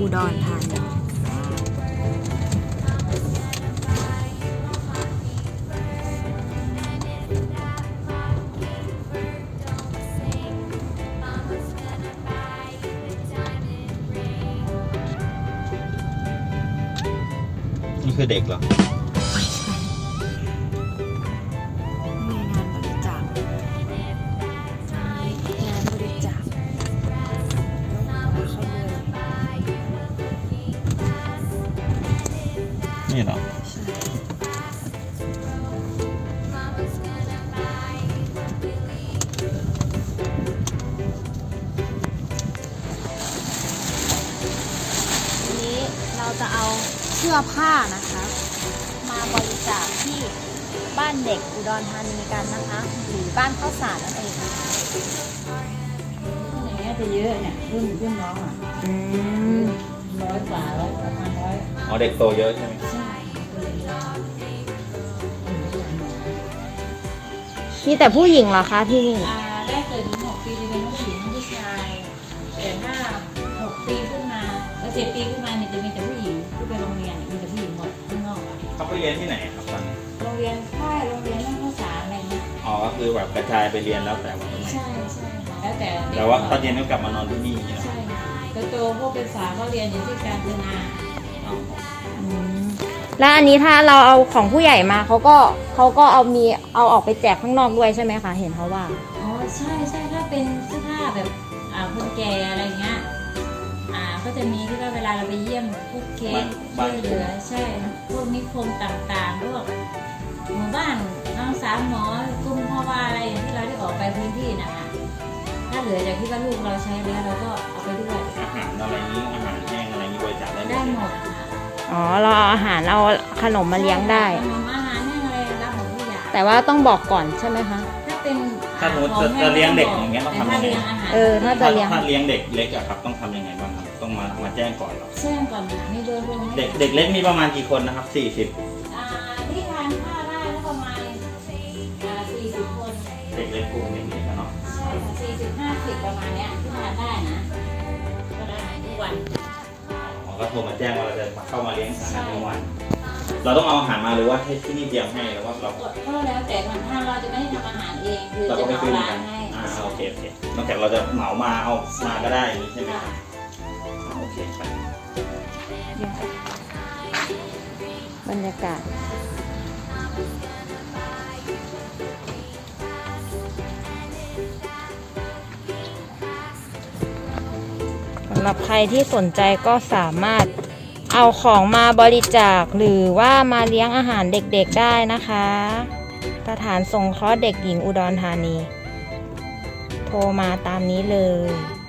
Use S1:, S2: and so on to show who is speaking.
S1: อุดรธานี
S2: นี่คือเด็กเหรอ
S1: ไม่ใช่มีงานบริจาคงานบริจาคเขาเลย
S2: นี่เหรอ
S1: ใช่ทีนี้เราจะเอาเสื้อผ้านะคะ มาบริจาคที่บ้านเด็กอุดรธานีกันนะคะหรือบ้านข้าวสารนั่นเอง
S3: อย่างเงี้ยจะเยอะเนี่ยรุ่นน้องอ่ะ100 กว่าประมาณ100
S2: อ๋อเด็กโตเยอะใช่ไหม
S3: ใช่
S1: มีแต่ผู้หญิงเหรอคะที่นี่
S3: ได้เกิดถึง6 ปีจะเป็นผู้หญิงผู้ชายแต่ถ้า6 ปีขึ้นมา7 ปีขึ้นมาเนี่ยจะมีแต่ผู้หญิงที่ไปโรงเรียนมีแต่ผู้หญิงหมดข้างนอกอ่ะ
S2: เขาไปเรียนที่ไหนครับตอนนี้
S3: โรงเรียนค่ายโรงเรียนนั่งข้าวสารอะไรเงี้ย
S2: อ๋อก็คือแบบกระจายไปเรียนแล้วแต่ว่าตรงไหน
S3: ใช่แล้ว
S2: แต่ว่าตอนเย็นก็กลับมานอนที่นี่นะ
S3: ใช่โตพวกเป็นสาวก็เรียนอยู่ที่กาญจนา
S1: แล้วอันนี้ถ้าเราเอาของผู้ใหญ่มาเขาก็เอาออกไปแจกข้างนอกด้วยใช่ไหมคะเห็นเขาว่า
S3: อ๋อใช่ถ้าเป็นเสื้อผ้าแบบคนแก่อะไรเงี้ยก็จะมีที่ว่าเวลาเราไปเยี่ยมพวกเคสช่วยเหลือใช่พวกนิคมต่างๆพวกหมู่บ้านน้องสามหมอกลุ่มพ่อว่าอะไรอย่างที่เราได้ออกไปพื้นที่นะคะถ้าเหลือจากที่ว่าลูกเราใช้แล้วเราก็เอาไปด้วย
S2: อาหารอะไรนี้อาหารแห้งอะไรนี้บริจาค
S3: ได้หมด
S1: อ๋อเราเอาอาหารเอาขนมมาเลี้ยงได้
S3: ขนมอาหารแห้งอะไรรับหมดทุกอย่าง
S1: แต่ว่าต้องบอกก่อนใช่ไหมคะ
S2: ถ้าสมมติจะเลี้ยงเด็กอย่างเงี้ยต้องทำยังไง
S1: ถ้าจะเลี้ยง
S2: เด็กเล็กอะครับต้องทำยังไงบ้างครับต้องมาแจ้งก่อนหรอ
S3: แจ้งก่อนมีเบอร์โทร
S2: เด็กเล็กมีประมาณกี่คนนะครับ40
S3: ที่ทานข้าวได้แล้วประมาณ40 คน
S2: เด็กเล็กกลุ่มเด็กๆเนาะ
S3: ใช่40-50ประมาณเนี้ยที่ทานได้นะก็ได้ทุกวัน
S2: ก็โทรมาแจ้งว่าเราจะเข้ามาเลี้ยงสังทุกวันเราต้องเอาอาหารมาหรือว่าให้ที่นี่เตรียมให้หรือว่าเรา
S3: ก็แล้วแต่ทางเราจะไม่ได้ทำอาหารเองคือจะเอาร้านให้
S2: โอเคนอกจากเราจะเหมามาเอามาก็ได้ใช่ไหมโอเคไป
S1: บรรยากาศสำหรับใครที่สนใจก็สามารถเอาของมาบริจาคหรือว่ามาเลี้ยงอาหารเด็กๆได้นะคะสถานสงเคราะห์เด็กหญิงอุดรธานีโทรมาตามนี้เลย